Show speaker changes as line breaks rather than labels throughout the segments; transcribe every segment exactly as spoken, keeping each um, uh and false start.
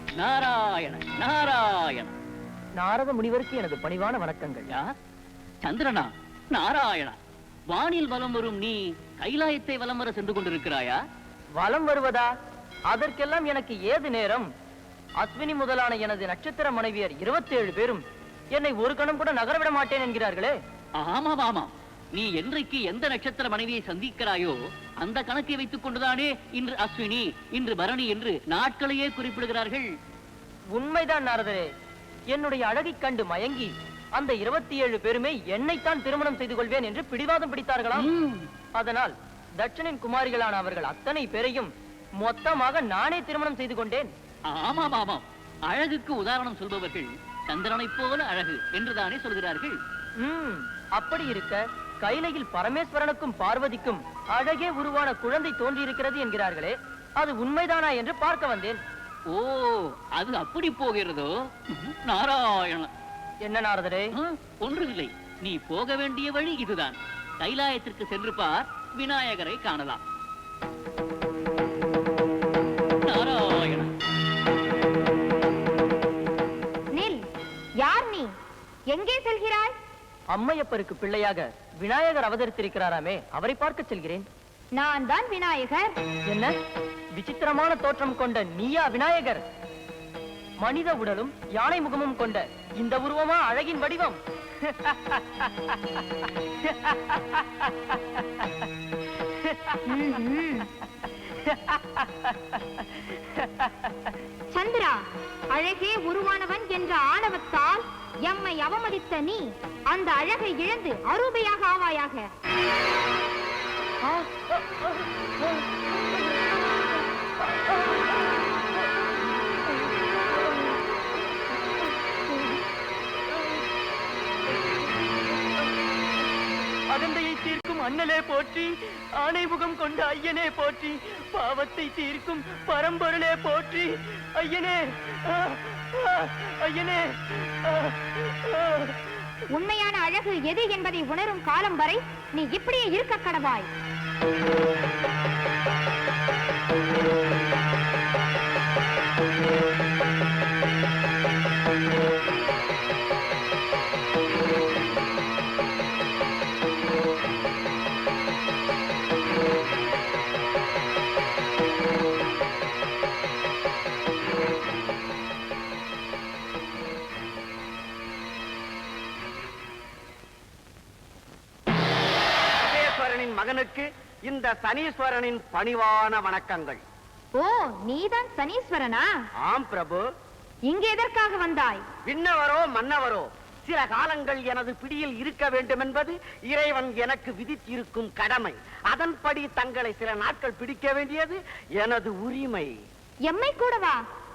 நாராயண நாராயண.
நாரத முனிவருக்கு எனது பணிவான வணக்கங்கள்.
சந்திரனா, நாராயணா, வானில் வலம் வரும் நீ கைலாயத்தை வலம் வர சென்று கொண்டிருக்கிறாயா?
வலம் வருவதா? அதற்கெல்லாம் எனக்கு ஏது நேரம்? அஸ்வினி முதலான எனது நட்சத்திர மனைவியர் இருபத்தி ஏழு பேரும் என்னை ஒரு கணம் கூட நகரவிட மாட்டேன் என்கிறார்களே.
ஆமாம் ஆமாம், நீ என்றைக்கு எந்த நட்சத்திர மனைவியை சந்திக்கிறாயோ அந்த கணக்கை வைத்துக் கொண்டுதானே இன்று அஸ்வினி, இன்று பரணி என்று நாட்களையே குறிப்பிடுகிறார்கள்.
உண்மைதான் நாரதரே. என்னுடைய அழகை கண்டு மயங்கி அந்த இருபத்தி ஏழு பேருமே என்னைத்தான் திருமணம் செய்து கொள்வேன் என்று பிடிவாதம் பிடித்தார்களாம். அதனால் தட்சனின் குமாரிகளான அவர்கள் அத்தனை பேரையும் மொத்தமாக நானே திருமணம் செய்து கொண்டேன்.
ஆமாம் ஆமாம், அழகுக்கு உதாரணம் சொல்பவர்கள் சந்திரனை போல அழகு என்றுதானே சொல்கிறார்கள்.
உம் அப்படி இருக்க கைலையில் பரமேஸ்வரனுக்கும் பார்வதிக்கும் அழகே உருவான குழந்தை தோன்றியிருக்கிறது என்கிறார்களே, அது உண்மைதானா என்று பார்க்க வந்தேன்.
ஓ, அது அப்படி போகிறதோ? நாராயண.
என்ன நாரதரே?
ஒன்றுமில்லை, நீ போக வேண்டிய வழி இதுதான். கைலாயத்திற்கு சென்று பார், விநாயகரை காணலாம். நாராயண.
நில், யார் நீ? எங்கே செல்கிறாய்?
அம்மையப்பருக்கு பிள்ளையாக விநாயகர் அவதரித்திருக்கிறாராமே, அவரை பார்க்க செல்கிறேன்.
நான் தான் விநாயகர்.
என்ன விசித்திரமான தோற்றம் கொண்ட நீயா விநாயகர்? மனித உடலும் யானை முகமும் கொண்ட இந்த உருவமா அழகின் வடிவம்?
சந்திரா, அழகே உருவானவன் என்ற ஆணவத்தால் எம்மை அவமதித்த நீ அந்த அழகை இழந்து அரூபையாக ஆவாயாக.
அகந்தையை தீர்க்கும் அண்ணலே போற்றி, ஆணை முகம் கொண்ட ஐயனே போற்றி, பாவத்தை தீர்க்கும் பரம்பொருளே போற்றி. ஐயனே, ஐயனே.
உண்மையான அழகு எது என்பதை உணரும் காலம் வரை நீ இப்படியே இருக்க கடவாய்.
மகனுக்கு இந்த சனீஸ்வரனின் பணிவான வணக்கங்கள்.
ஓ, நீதான் சனீஸ்வரனா?
ஆம் பிரபு.
இங்கு எதற்காக வந்தாய்?
விண்ணவரோ மன்னவரோ சில காலங்கள் எனது பிடியில் இருக்க வேண்டும் என்பது இறைவன் எனக்கு விதித்திருக்கும் கடமை. அதன்படி தங்களை சில நாட்கள் பிடிக்க வேண்டியது எனது உரிமை.
எம்மை கூடவா?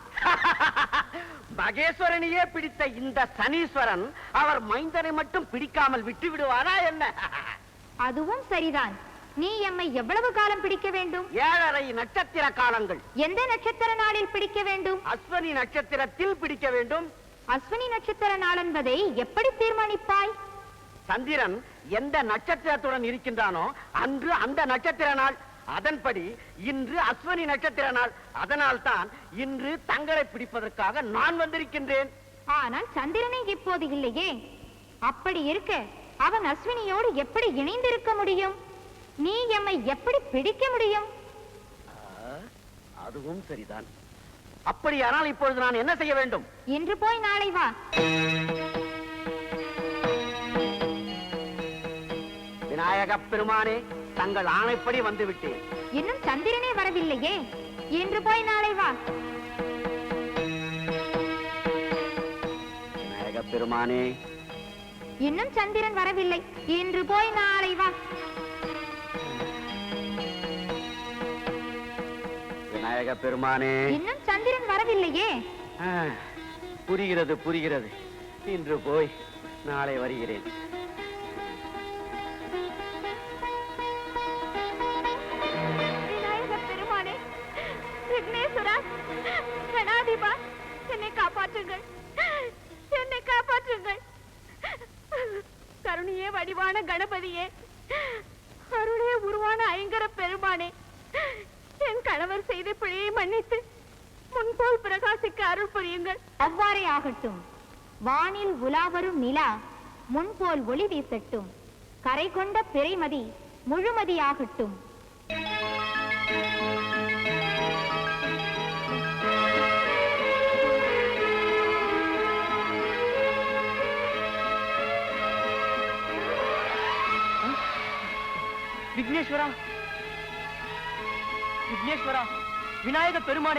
மகேஸ்வரனையே பிடித்த இந்த சனீஸ்வரன் அவர் மைந்தனை மட்டும் பிடிக்காமல் விட்டு விடுவாரா என்ன?
அதுவும் சரிதான். நீ எம்மை எவ்வளவு காலம் பிடிக்க வேண்டும்?
ஏழரை நட்சத்திர காலங்கள்.
எந்த நட்சத்திர நாளில் பிடிக்க வேண்டும்?
அஸ்வினி நட்சத்திரத்தில் பிடிக்க வேண்டும்.
அஸ்வினி நட்சத்திர நாள் என்பதை எப்படி தீர்மானிப்பாய்?
சந்திரன் எந்த நட்சத்திரத்துடன் இருக்கின்றானோ அன்று அந்த நட்சத்திர நாள். அதன்படி இன்று அஸ்வினி நட்சத்திர நாள். அதனால் தான் இன்று தங்களை பிடிப்பதற்காக நான் வந்திருக்கின்றேன்.
ஆனால் சந்திரனை இப்போது இல்லையே. அப்படி இருக்க அவன் அஸ்வினியோடு எப்படி இணைந்திருக்க முடியும்? நீ எம்மை எப்படி பிடிக்க முடியும்?
அதுவும் சரிதான். அப்படியானால் இப்பொழுது நான் என்ன செய்ய வேண்டும்?
இன்று போய் நாளை வா.
விநாயக பெருமானே, தங்கள் ஆணைப்படி வந்துவிட்டேன்.
இன்னும் சந்திரனே வரவில்லையே. இன்று போய் நாளை வா.
விநாயக பெருமானே,
இன்னும் சந்திரன் வரவில்லை. இன்று போய் நாளை வா.
விநாயக பெருமானே,
இன்னும் சந்திரன் வரவில்லையே.
புரிகிறது புரிகிறது. இன்று போய் நாளை வருகிறேன்.
விநாயக பெருமானே, விக்னேஸ்வரா, கணாதிபா, என்னை காப்பாற்றுங்கள், என்னை காப்பாற்றுங்கள். கருணையே வடிவான கணபதியே, அருளே உருவான ஐங்கர பெருமானே, என் கணவர் செய்த பிழையை மன்னித்து முன்போல் பிரகாசிக்க அருள் புரியுங்கள். அவ்வாறே ஆகட்டும். வானில் உலாவரும் நிலா முன்போல் ஒளி வீசட்டும். கரை கொண்ட பிறைமதி முழுமதியாகட்டும்.
விக்னேஸ்வரா, விக்னேஸ்வரா, விநாயக பெருமானே,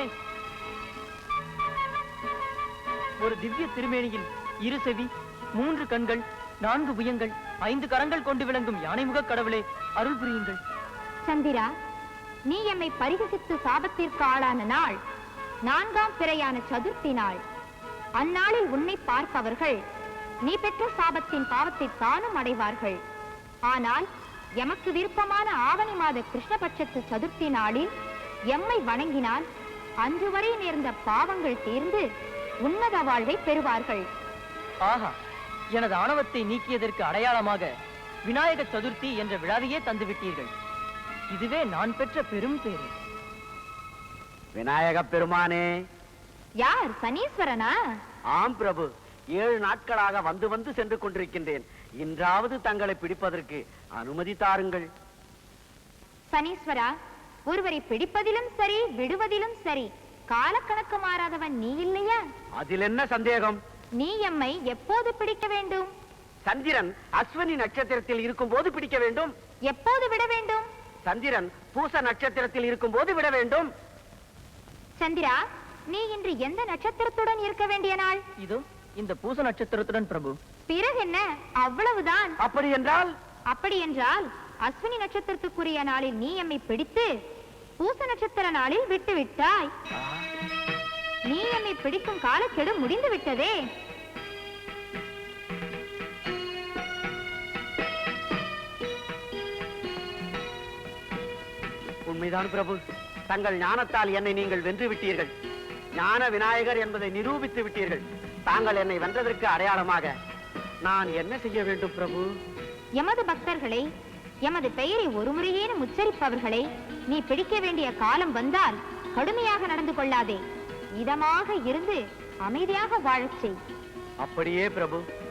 ஒரு திவ்ய திருமேனியில் இரு செவி, மூன்று கண்கள், நான்கு புயங்கள், ஐந்து கரங்கள் கொண்டு விளங்கும் யானைமுக கடவுளே, அருள் புரியுங்கள்.
சந்திரா, நீ எம்மை பரிகசித்து சாபத்திற்கு ஆளான நாள் நான்காம் பிறையான சதுர்த்தி நாள். அந்நாளில் உன்னை பார்ப்பவர்கள் நீ பெற்ற சாபத்தின் பாவத்தை தானும் அடைவார்கள். ஆனால் எமக்கு விருப்பமான ஆவணி மாத கிருஷ்ணபட்சத்து சதுர்த்தி நாளில் எம்மை வணங்கினால் அன்று வரை நேர்ந்த பாவங்கள் தீர்ந்து உன்னத வாழ்வை பெறுவார்கள்.
ஆஹா, எனது ஆணவத்தை நீக்கியதற்கு அடையாளமாக விநாயக சதுர்த்தி என்ற விழாவையே தந்துவிட்டீர்கள். இதுவே நான் பெற்ற பெரும் பேரு.
விநாயக பெருமானே.
யார், சனீஸ்வரனா?
ஆம் பிரபு, ஏழு நாட்களாக வந்து வந்து சென்று கொண்டிருக்கின்றேன். இன்றாவது தங்களை பிடிப்பதற்கு அனுமதி தாருங்கள்.
சனீஸ்வரா, ஒருவரை பிடிப்பதிலும் சரி விடுவதிலும் சரி காலக்கணக்கு மாறாதவன் நீ இல்லையா?
அதில் என்ன சந்தேகம்?
நீ எம்மை எப்போது பிடிக்க வேண்டும்?
சந்திரன் அஸ்வினி நட்சத்திரத்தில் இருக்கும் போது பிடிக்க வேண்டும்.
எப்போது விட வேண்டும்?
சந்திரன் பூச நட்சத்திரத்தில் இருக்கும் போது விட வேண்டும்.
சந்திரா, நீ இன்று எந்த நட்சத்திரத்துடன் இருக்க வேண்டிய நாள்?
இதோ இந்த பூச நட்சத்திரத்துடன் பிரபு.
பிறகு என்ன, அவ்வளவுதான்.
அப்படி என்றால்?
அப்படி என்றால் அஸ்வினி நட்சத்திரத்துக்குரிய நாளில் நீ எம்மை பிடித்து பூச நட்சத்திர நாளில் விட்டு விட்டாய். நீ எம்மை பிடிக்கும் காலக்கெடு முடிந்து விட்டதே.
உண்மைதான் பிரபு, தங்கள் ஞானத்தால் என்னை நீங்கள் வென்று விட்டீர்கள். ஞான விநாயகர் என்பதை நிரூபித்து விட்டீர்கள். தாங்கள் என்னை வென்றதற்கு அடையாளமாக நான் என்ன செய்ய வேண்டும் பிரபு?
எமது பக்தர்களை, எமது பெயரை ஒரு முறையேனும் உச்சரிப்பவர்களை நீ பிடிக்க வேண்டிய காலம் வந்தால் கடுமையாக நடந்து கொள்ளாதே. இதமாக இருந்து அமைதியாக வாழச் செய்.
அப்படியே பிரபு.